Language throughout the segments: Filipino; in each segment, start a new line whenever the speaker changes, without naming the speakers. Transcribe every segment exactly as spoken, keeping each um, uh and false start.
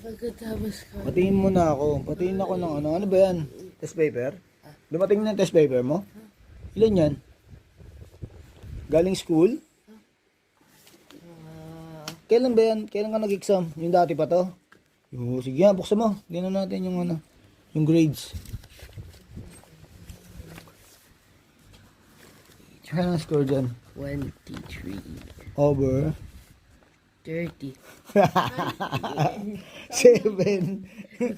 Pagkatapos ko.
Patingin mo na ako. Patingin ako ng ano. Ano ba yan? Test paper? Dumating na yung test paper mo? Ilan yan? Galing school? Kailan ba yan? Kailan ka nag-exam? Yung dati pa to? Yo, sige nga, buksan mo. Tingnan natin yung ano. Yung grades. Tsaka ang score dyan.
twenty-three.
Over.
thirty.
Seven.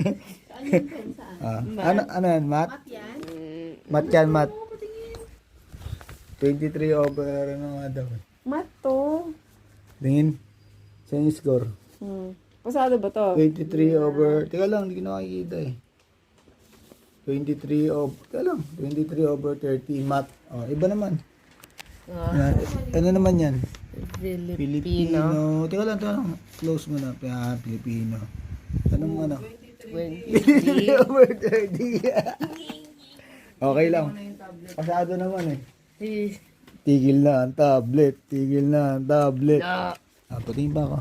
ah, ano, ano yan? Math? Math yan, math. twenty-three over, ano nga daw.
Mat to.
Tingin. Saan yung score?
Hmm. Pasado ba to?
twenty-three over, teka lang, hindi ko nakikita eh. twenty-three over, teka lang, twenty-three over thirty, math. Oh, iba naman. Yan. Ano naman yan?
Filipino.
Filipino. Teka lang, teka lang. Close mo na. Ah, Filipino. Anong ano? twenty-three over thirty. Okay lang. Pasado naman eh. Tigil na ang tablet. Tigil na ang tablet.
No.
Ah, patingin pa ako.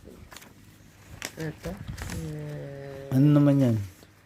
Ito. Uh,
Ano naman yan?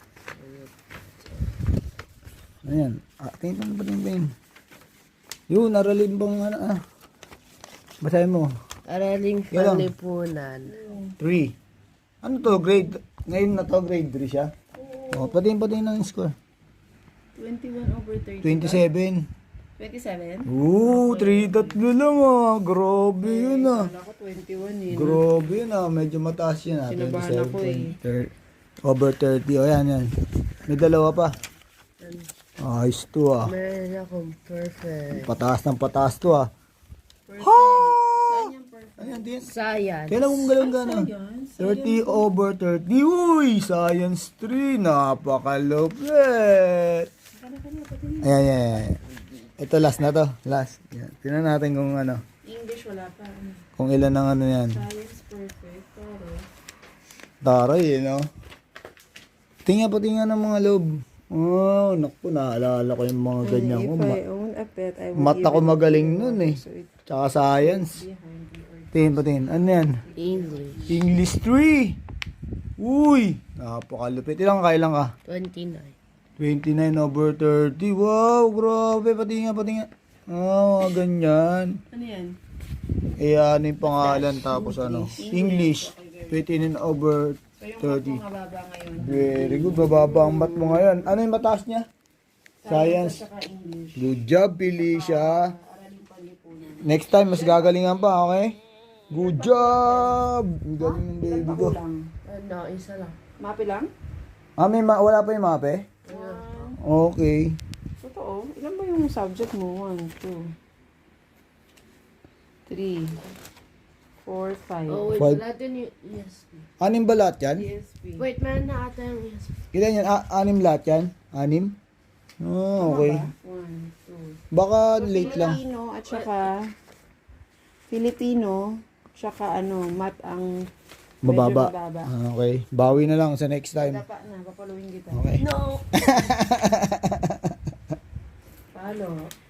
Ano yan? Ah, tingin pa, patingin pa yun. Yun, aralin bang ano ah. Basahin mo.
Araling
Yan lang.
Panlipunan.
three. Ano to? Grade? Ngayon na to, grade three siya? O, patingin patingin ng score.
twenty-one over thirty.
twenty-seven.
twenty-seven?
Oo, three tatlo lang ah. Grabe yun ah.
Kala ko twenty-one eh.
Grabe yun ah. Medyo mataas yun ah.
Sinabahan ako eh.
thirty, over thirty. O yan yan. May dalawa pa. Ayos to ah.
Meron akong perfect.
Pataas ng pataas to ah.
Perfect.
Ha!
Saan yung perfect?
Ayan din.
Science.
Kailan mong galang gana? thirty over thirty. Uy! Science three. Napakalupit. Ayan, ayan, ayan. Ito last na to. Last. Yan. Tingnan natin kung ano.
English wala pa.
Kung ilan ang ano yan.
Science perfect. Pero
Taray eh, no? Tingnan pa tingnan ng mga loob. Oh, naku, naalala ko yung mga ganyan ko.
if I
Ma-
own a pet, I would
mata ko
even
magaling
know
nun eh.
so it
Tsaka science.
behind the or
Tingin pa tingin. Ano yan?
English.
English three. Uy! Napakalupit. Ilang kailang ka?
twenty-nine.
twenty-nine over thirty. Wow, grabe. Pati nga, pati nga. Oh, ganyan.
Ano yan?
Eh, ano yung pangalan tapos ano? English. twenty-nine over
So yung
thirty.
mat mo mababa ngayon.
Very good. Bababa ang mat mo ngayon. Ano yung mataas niya? Science.
Saka English.
Good job, Felicia.
Araling Panlipunan.
Next time, mas gagalingan pa, okay? Good job! Ang galing ng baby
Ilan pa
ko.
kulang?
Ano, isa lang.
Mapi lang?
Ah, may ma- wala pa yung mape?
Wow.
Okay.
Totoo. Ilan ba yung subject mo? One, two, three, four, five.
Oh, wait.
Five.
Wala din yung E S P.
Anim ba lahat yan?
E S P.
Wait, meron na ata yung E S P.
Ilan yan? A- anim lahat yan? Anim? Oh, okay.
One, two.
Baka late lang.
Filipino at saka Filipino tsaka ano, mat ang medyo
Mababa.
mababa.
Ah, okay. Bawi na lang sa next time.
Dapa na, papaluin kita.
Okay.
No!
Palo.